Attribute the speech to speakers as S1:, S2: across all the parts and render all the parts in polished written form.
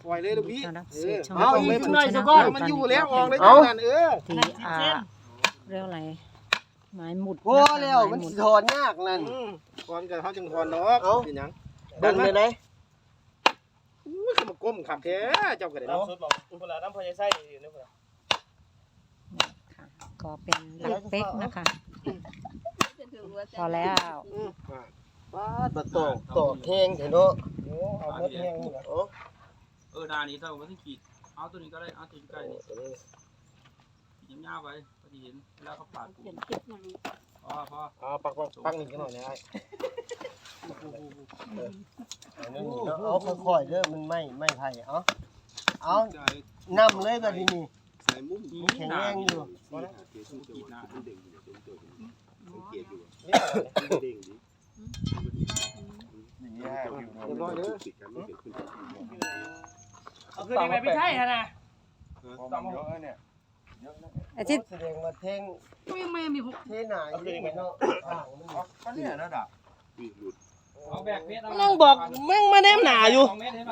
S1: ล่อยเลยลูกพี่
S2: เอาอีกหน่อยสักก้อนมันอยู่แล้วออกเลยนั่น
S3: ที่เรียกอะไรไม้หมุด
S2: โอ้แล้วมันถอนยากนั่น
S1: ถอนกันเขาจึงถอนดอกเป็นหยัง
S2: เบิ่งเลยไหน
S1: อุ้ยเขามาก้มขับแท้เจ้าก็ได้เนาะ
S4: น้ำซุปบอกเวลาน้ำพอใจไส้อยู่นี่เพื่อน
S3: ก็เป็นหลักเป๊กนะคะพอแล้ว
S2: ป้าบะตอกแห้งเถอะเนาะ
S1: โอ้เอาเม็ดแห้งนี่นะ
S4: นานี้เท่าไม่ต้องขีดเอาตัวนี้ก็ได้เอาตัวนี้ใกล้นี่ยิ้มยาวไปพอดีเห็นแล้วเขาปาดพอ
S1: ปักนี่กันหน่อยนะ
S2: เอาค่อยๆเด้อมันไม่ไผ่เอานำเลยแบบนี้
S1: ใส่มุ้ง
S2: แข็งแรงอยู่
S4: เอาคืนนี้ไม่ใช่ฮะนะ
S1: ต้องเยอะเนี่ย
S3: อาทิตย์
S2: แสดงว่าแทง
S4: ไม่มีหก
S2: เทหนาอยู่เนาะ
S1: ก็เนี่ยระดับ
S4: เอาแบกเมตร
S2: นั่งบอกแม่งมาแนมหนาอยู่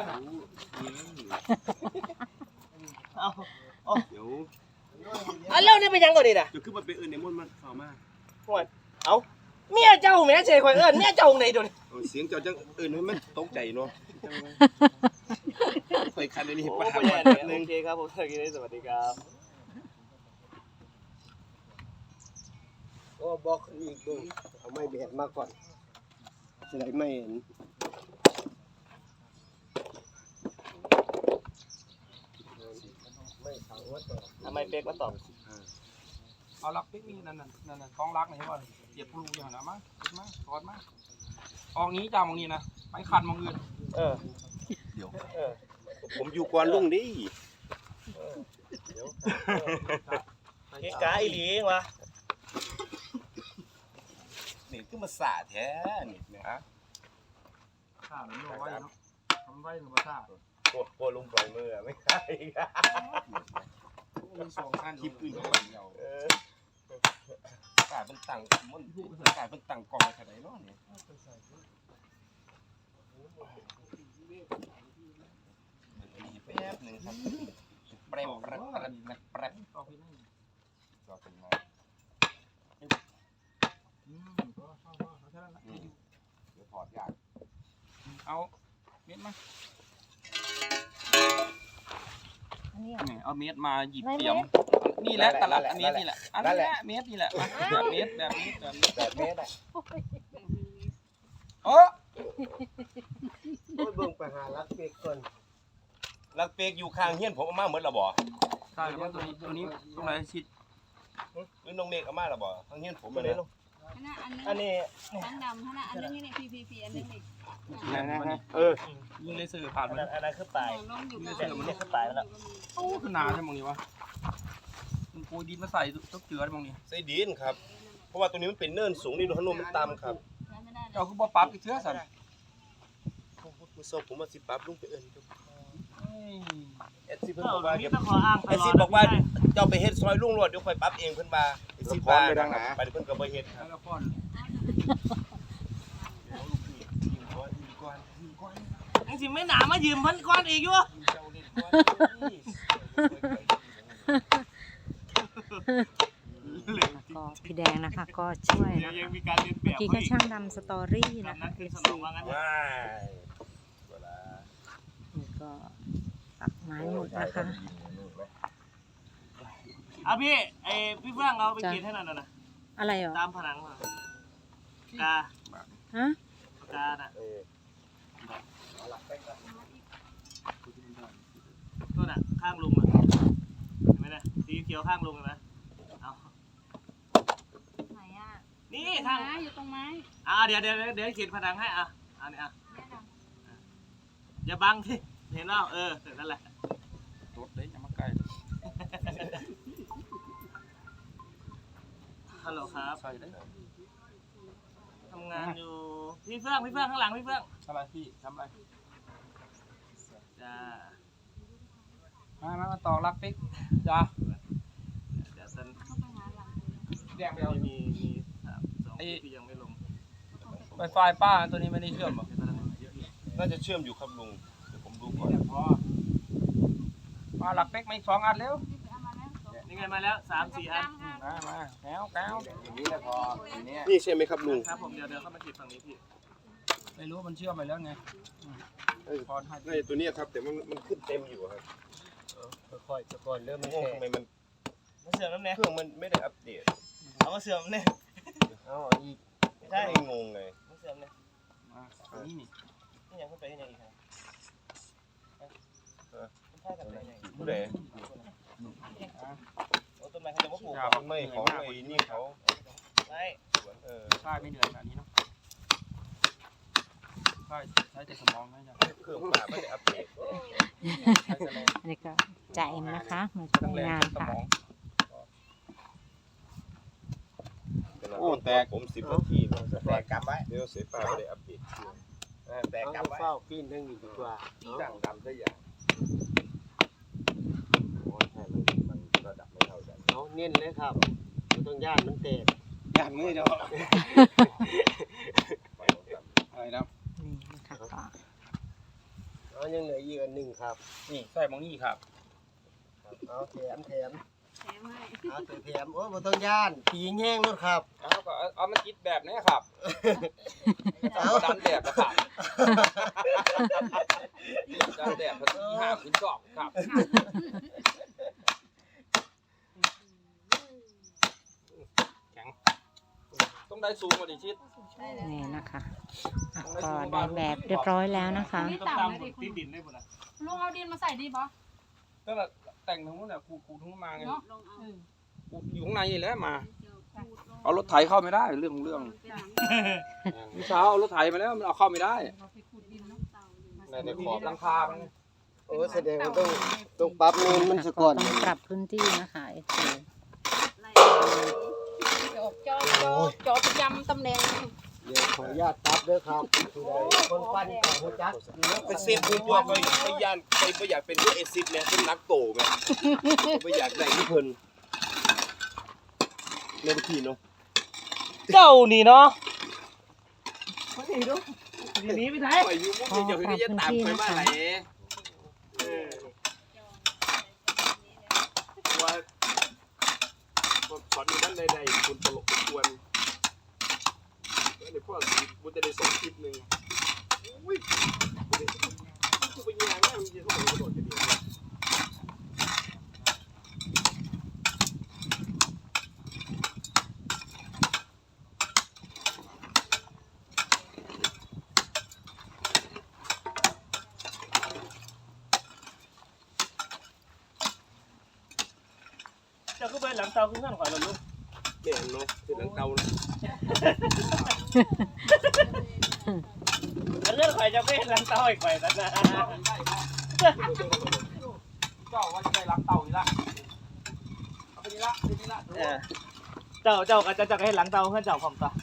S1: เดี๋ยว
S2: เล่านี่เป็นยังก่อนดิน่ะ
S1: จะขึ้นมาเป็นเอิญในมนมันเข้ามา
S2: เอาเมียเจ้าแม่เฉยข่อยเอิ้นเมียเจ้าไหนโดน
S1: เสียงเจ้าจังเอิญมันตกใจเนาะไปคันนี้
S4: โอเคครับผมสวัสดีครับ
S2: ก็บอกอีกด้วยเอาไม้แบกมาก่อนจะได้ไม่เห็น
S4: ทำไมเป๊กมาตอบ
S1: เอาลักปิ๊กนี่นั่นกองลักนี่ใช่ป่ะเสียบปูอย่างนั้นมั้งมาถอดมาออกนี้จ้ามองนี้นะไปคันมองอื่นเดี๋ยวผมอยู่ก่อนลุงดิ
S4: เก๊กาอีหลีวะ
S1: นี่คือมาสาแท้นี่นะข้ามันไม่ไหวเนาะทำไหวหรือมาสา
S4: โคลุงปล่อยมือไม่ใช่
S1: มีสองขั้นคลิปอื่นก็เดียวกายเป็นตังมันกายเป็นตังกองอะไรไหนเนาะเนี่ยแป๊บนึงครับแป๊บต่อไปเป็นไงเดี๋ยวถอดยากเอาเม็ดมาเอาเม็ดมาหยิบเตรียมนี่แหละตลับอันนี้นี่แหละอันนี้เม็ดนี่แหละแบบเม็ดอ่ะโอ้
S2: เบิ่งไปหาลักเป๊กก่อน
S1: ลักเป๊กอยู่ข้างเฮียนผมเอามาหมดแล้วบ่ใช่แล้วตัวนี้ตรงไหนชิดหรือน้องเมฆเอามาแล้วบ่ข้างเฮียนผมเลย
S4: อันนี้
S5: อันดำอันนี้พีอันนี้นี่
S1: ยิงเลเซอร์ผ่านมา
S4: อันนั้นคือปลาย
S1: เลเซอร์มัน
S4: คือปลายแล้ว
S1: โอ้คือหนาใช่มั้งนี่วะมันโกยดินมาใส่ต้องเจือได้มั้งนี่ใส่ดินครับเพราะว่าตัวนี้มันเป็นเนินสูงนี่ดูถนนมันต่ำครับเอาคือบ่ปรับอีกเชื้อสันมือศพผมมาสิปรับลุงไปเอิญเอสซีเพิ่นบอกว่าบอกว่าเจ้าไปเฮ็ดซอยลุงรวดเดี๋ยวค่อยปรับเองเพิ่นมาเอสซีบ้าไปทางหาไปเพิ่นก็บ่เฮ็ดครับ
S4: ยังสิไม่หนามายืมพันก้อนอีกอยู่
S3: ก็พี่แดงนะคะก็ช่วยนะคะเมื่อกี้ก็ช่างดำสตอรี่นะคะนี่ก็ตัดไม้หมดนะคะ
S4: พี่เฟื่องเอาไปกินให้หน่อยนะ
S3: อะไรเหรอ
S4: ตามผนังกา
S3: ฮะ
S4: กาน่ะตัวน่ะข้างลุงอ่ะเห็นไหมเนี่ยสีเขียวข้างลุงเห็นไหมเอา
S5: ไหนอ่ะ
S4: นี่ข้าง
S5: อยู่ตรงไม้
S4: เดี๋ยวเขียนผนังให้อันนี้อย่าบังที่เห็นแล้วนั่นแหละ
S1: รถเลยอย่ามาใกล้
S4: ฮัลโหลครับทำงานอยู่พี่เฟื่องข้างหลังพี่เฟื่อง
S1: อะไรพี่ทำอะไร
S4: จ้า
S1: มาต่อรักปิ๊กจ้า
S4: เดี๋ยวฉัน
S1: แดงไปเอา
S4: มี2ที่ยังไม่ลง
S1: ไวไฟป้าตัวนี้ไม่ได้เชื่อมหรอน่าจะเชื่อมอยู่ครับลุงเดี๋ยวผมดูก่อน
S4: มาหลักเป๊กมาอีก2 อันเร็ว
S6: นี่ไงมาแล้ว3-4 อัน
S4: มาแก้ว
S1: อย่างนี้แหละพอทีนี้
S2: นี่ใช่ไหมครับลุง
S6: ครับผมเดี๋ยวเข้ามาจีบฝั่งนี้พี่
S4: ไม่รู้มันเชื่อมไปแล้วไงพอให้
S1: ในตัวนี้ครับแต่มันขึ้นเต็มอยู่ครับ
S2: ค่อยๆก่อนเริ่มมัน
S1: งง
S2: แตก
S1: ทำไมมัน
S6: มาเสื่อมน้ำแน่
S1: เครื่องมันไม่ได้อัปเดต
S6: เอามาเสื่อมแน่
S2: เอาอีก
S6: ใช่
S1: ไม่งงเลย
S6: มาเสื่อมแน่
S4: มาอันนี้นี่
S6: นี่ยังขึ้นไปที่ไหนอีกครับคุณท่ากันไหน
S1: ผู้ใด
S6: โอ้ต้นไม้เขาจะมาปลูก
S1: ไม่ของไอ้นี่เขา
S6: ไม่
S4: ใช่ไม่เหนื่อยขนาดนี้เนาะใช่ใช้แต่สมองนะจ๊ะ
S1: เครื่องป่าไม่ได้อัปเดต
S3: อันนี้ก็จ่าเอ็มนะคะมาช่วยงานค่ะ
S1: โอ้แตกผม10 นาทีแตกกลับไว้เดี๋ยวเสียป่าไม่ได้อัปเดตแตกกลับไว้
S2: เฝ้าปีนทั้งนี้ดีกว่า
S1: สั่งดำซะอย่างโอ้ใช่มันระดับไม่เท่ากัน
S2: เอาเน้นเลยครับบ่ต้องย่านมันแตก
S4: อย่างนี้เนาะอะไรนะ
S3: นี่นะคะก็
S2: เอายังเหลืออีกอันหนึงครับ
S4: นี่ใส่มองนี่ครับ
S2: เอาแถม
S5: แถมให้
S2: เอาแถมโอ้บ่ต้องย่านปีแห้งนู่นครับ
S4: เอามันคิดแบบนี้ครับเอาดันแบบนะครับดันแบบพันที่5ขึ้น2ครับแข็งต้องได้สูงกว่าดิชิด
S3: นี่นะคะอ่ะก็ได้แบบเรียบร้อยแล้วนะคะ
S6: ต้องตามติดดินได้หมดนะ
S5: ลุงเอาดินมาใส่ดีป่ะ
S4: ก็แต่งทั้งนู้นแหละคูทั้งนู้นมาไง
S5: เนาะลงเอา
S4: กูอยู่ข้างในนี่แหละมา เอารถไถเข้าไม่ได้เรื่องเมื่อเช้าเอารถไถมาแล้วมันเอาเข้าไม่ได้
S5: เราไปขุดดินเนาะ
S4: ในขอบหลังคามัน
S2: โอ้แสดงว่าต้องปรับเนินมันซะก่อน
S3: ต้องปรับพื้นที่นะคะเอฟซี
S5: จอบประจำตำแหน่ง
S2: เดี๋ยวขออนุญาตปรับเด้อครับคนปั้นกับหัวจัก
S1: ไปเซฟผู้ว่าไปย่านไปอยากเป็นเอซิดเนี่ยเป็นนักโตไหมไปอยากได้ที่เพิ่นเล่นพี่เนาะ
S6: เจ้านี่เนาะมาถีดูทีนี้ไม่ได้
S1: ไปอยู่มุกเดียวคือจะตามไปว่าไหนว่าสอนอยู่ด้านใดๆคุณตลกควรแล้วเดี๋ยวพ่อบุญจะได้ส่งคลิปหนึ่งอุ้ยกูไปยังไงมันจะต้องกระโดดจะดี
S6: เจ้าก็ไปหลังเตาขึ้นข้างขวาเราลูก
S1: แม่เนาะเป็นหลังเตา
S6: เรื่องข่อยจะไปหลังเตาอีกไปนะ
S4: เจ้าว่าจะได้ล้างเตาอีกละเอาไปนี่ละไปนี่ละ
S6: เจ้าก็จะให้หลังเตาเพื่อนเจ้าผมต่อ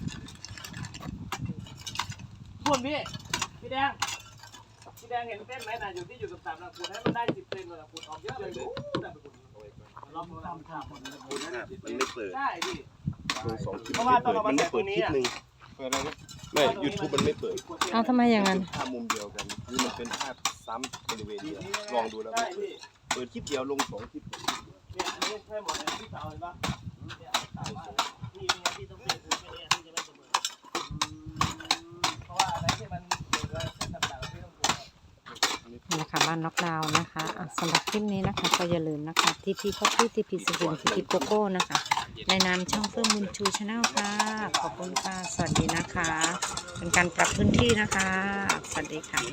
S6: คุณพี่แดงเห็นเส้นไหมน่ะอยู่ที่อยู่กับ3นะคุณให้มันได้10 เซนเลยนะคุณออกเยอะเลยได้ไปคุณลองทำ
S1: มันไม่เปิด
S6: ได้พี่
S1: ลง2 คลิป
S6: เพราะว่าต้องเอามา
S1: มัน
S6: ใส่
S1: ไม่
S6: ตร
S1: เปิด
S6: งนี้
S1: คลิป
S6: อ่ะ
S1: หนึ่งเปิดอะไรนะไม่ YouTube มันไม่เปิด
S3: เอาทำไมอย่างนั้น
S1: ภาพมุมเดียวกันคือมันเป็นภาพซ้ำบริเวณเดียวลองดูแล้ว
S6: ใช่พี่
S1: เปิดคลิปเดียวลง2 คลิป
S6: เนี่ยอันนี้ใช่หมดเลยที่เตาเห็นปะเนี่ยเตาว่านี่เป็นไงที่ต้องเปลี่ยนคือเนี่ยที่จะไม่เสมอเพราะว่าอะไรที่มันเกิดเส้นต่างๆที่ต้องปรุง
S3: นี่นะคะบ้านน็อกดาวน์นะคะอ่ะสำหรับคลิปนี้นะคะก็อย่าลืมนะคะทีพีคอฟฟี่ทีพีสกินทีพีโกโก้นะคะในนามช่องเพิ่มบุญชูชาแนลค่ะขอบคุณค่ะสวัสดีนะคะ เป็นการปรับพื้นที่นะคะสวัสดีค่ะ